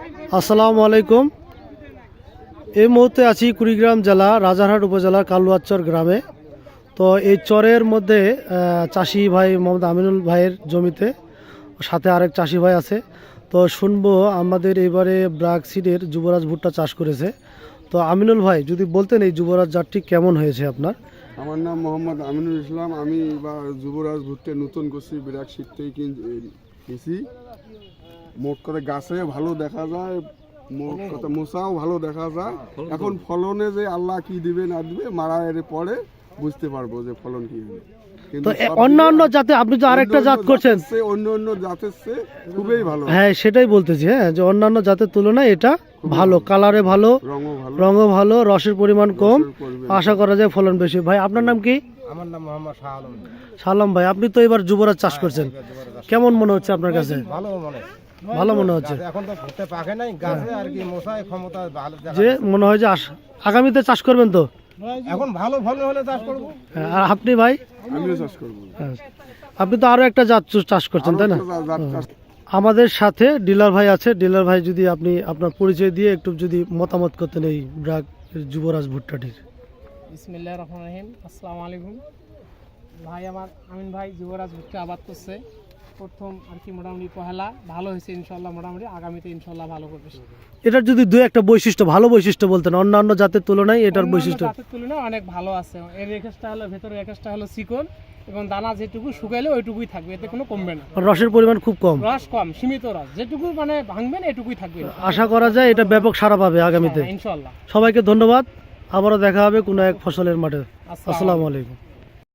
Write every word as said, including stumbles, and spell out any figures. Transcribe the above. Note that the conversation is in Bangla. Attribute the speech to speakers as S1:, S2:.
S1: আসসালামু আলাইকুম। এই মুহূর্তে আছি কুড়িগ্রাম জেলা রাজারহাট উপজেলার কালুয়াচর গ্রামে। তো এই চরের মধ্যে চাষি ভাই মোহাম্মদ আমিনুল ভাইয়ের জমিতে, সাথে আরেক চাষি ভাই আছে। তো শুনবো আমাদের এবারে ব্রাক সিডের যুবরাজ ভুট্টা চাষ করেছে। তো আমিনুল ভাই যদি বলতেন এই যুবরাজ জাতটি কেমন হয়েছে আপনার?
S2: আমার নাম মোহাম্মদ আমিনুল ইসলাম। আমি এবার যুবরাজ ভুট্টা নতুন করছি, ব্রাক সিড থেকে কিনছি। মোট করে গাছে ভালো দেখা যায়, মোট কথা মোসাও ভালো দেখা যায়। এখন ফলনে যে আল্লাহ কি দিবে না দিবে মারা এর পরে বুঝতে পারবো যে ফলন কি হবে।
S1: তো অন্য অন্য জাতে আপনি তো আরেকটা জাত করছেন,
S2: অন্য অন্য জাতের চেয়ে খুবই ভালো।
S1: হ্যাঁ সেটাই বলতেছি, হ্যাঁ যে অন্যান্য জাতের তুলনায় এটা ভালো, কালারে ভালো, রঙও ভালো, রসের পরিমাণ কম, আশা করা যায় ফলন বেশি। ভাই আপনার নাম কি?
S3: আমার নাম মোহাম্মদ শাহ আলম।
S1: শাহ আলম ভাই, আপনি তো এবার যুবরাজ চাষ করছেন, কেমন মনে হচ্ছে আপনার কাছে?
S3: ভালো মনে
S1: ভালো মনে হচ্ছে।
S3: এখন তো ভুট্টা পাকে নাই, গাছে আর কি মশাই ক্ষমতা ভালো,
S1: যে মনে হয় যে আগামীতে চাষ করবেন তো?
S3: এখন ভালো ফলন হলে চাষ করব।
S1: আর আপনি ভাই?
S2: আমিও চাষ করব।
S1: আপনি তো আরো একটা জাত চাষ করছেন তাই না? আমাদের সাথে ডিলার ভাই আছে। ডিলার ভাই যদি আপনি আপনার পরিচয় দিয়ে একটু যদি মতামত করতেন এই ব্রাক যুবরাজ ভুট্টাটির।
S4: বিসমিল্লাহির রহমানির রহিম। আসসালামু আলাইকুম ভাই। আমার আমিন ভাই যুবরাজ ভুট্টা আবাদ করছে প্রথম আর কি, মোটামুটি পহেলা ভালো হয়েছে ইনশাল্লাহ। মোটামুটি আগামীতে ইনশাল্লাহ ভালো করবে।
S1: এটার যদি দুই একটা বৈশিষ্ট্য, ভালো বৈশিষ্ট্য বলতেন অন্যান্য জাতের তুলনায় এটার বৈশিষ্ট্য?
S4: জাতের তুলনায় অনেক ভালো আছে। এর রেখেসটা হলো ভেতরে, রেখেসটা হলো চিকন এবং দানা যেটুকু শুকাইলে ওইটুকুই থাকবে, এতে কোনো কমবে না।
S1: রসের পরিমাণ খুব কম,
S4: রস কম, সীমিত রস, যেটুকু মানে ভাঙবেন এটুকুই থাকবে।
S1: আশা করা যায় এটা ব্যাপক সাড়া পাবে আগামীতে
S4: ইনশাল্লাহ।
S1: সবাইকে ধন্যবাদ। আবারও দেখা হবে কোনো এক ফসলের মাঠে। আসসালামু আলাইকুম।